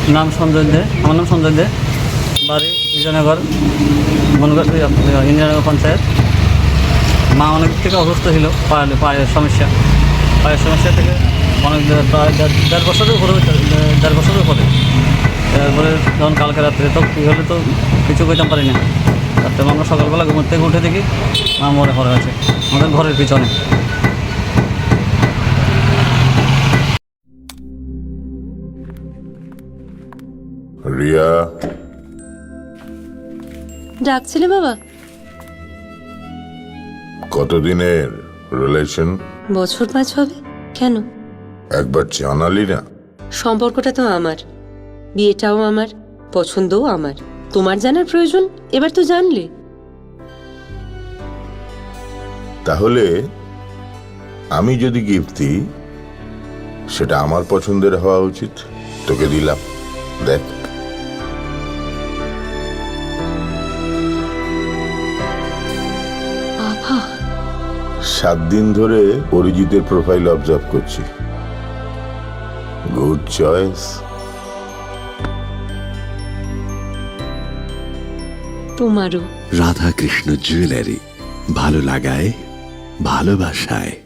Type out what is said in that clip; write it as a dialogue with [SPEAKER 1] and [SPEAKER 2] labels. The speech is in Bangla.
[SPEAKER 1] নাম সঞ্জয় দে, আমার নাম সঞ্জয় দে, বাড়ি বিজয়নগর, বনগাঁ ইন্দিরানগর পঞ্চায়েত। মা অনেক থেকে অসুস্থ ছিল, পায়ের সমস্যা থেকে অনেক প্রায় দেড় বছরের উপরে, তারপরে যখন কালকে রাত্রে তো কী হলে তো কিছু করতে পারি না। রাত্রে আমরা সকালবেলা ঘুমোর থেকে উঠে দেখি মা পড়ে আছে আমাদের ঘরের পিছনে।
[SPEAKER 2] রিয়া,
[SPEAKER 3] ডাকছিলে বাবা?
[SPEAKER 2] কতদিনের রিলেশন?
[SPEAKER 3] বছর 5 হবে। কেন?
[SPEAKER 2] একবার জানালি না?
[SPEAKER 3] সম্পর্কটা তো আমার, বিয়েটাও আমার, পছন্দও আমার। তোমার জানার প্রয়োজন, এবার তো জানলে।
[SPEAKER 2] তাহলে আমি যদি গিফট দিই সেটা আমার পছন্দের হওয়া উচিত। তোকে দিলাম, দেখ।
[SPEAKER 3] বাবা,
[SPEAKER 2] 7 দিন ধরে অরিজিতের প্রোফাইল অবজার্ভ করছি। Good choice.
[SPEAKER 3] তোমারও।
[SPEAKER 4] রাধাকৃষ্ণ জুয়েলারি, ভালো লাগায় ভালোবাসায়।